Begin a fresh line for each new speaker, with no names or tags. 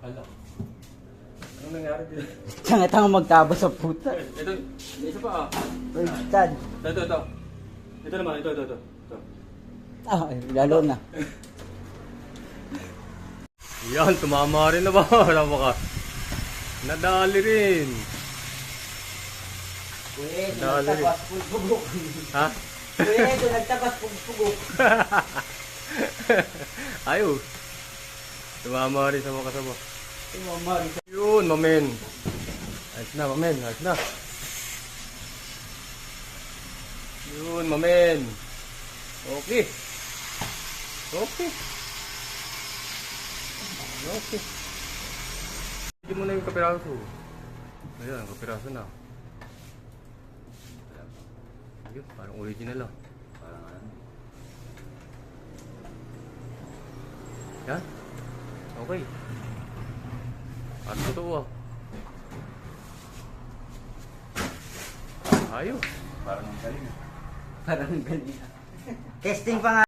Hala. Anong nangyari dito?
Tanga-tanga magtabas sa puta.
Ito, may isa pa ah.
Uy, Chad.
Ito. Ito naman, ito.
Ah, lalo na.
Yan, tumama rin na ba? Napaka. Nadali rin.
Uy,
Dali.
nagtabas pugpugok.
Ha?
Uy, nagtabas pugpugok.
Ayos. Tumama rin sa mga kasama.
Mari.
Yun, mamen. Ayos na, mamen. Ayos na. Yun, mamen. Okay. Okay. Hindi mo na yung kapiraso. Ayan, kapiraso na. Ayun, parang original ah. Parang ano. Yan. Okay. At totoo ah. Ayos. Parang galing.
Parang galing. Testing pa nga.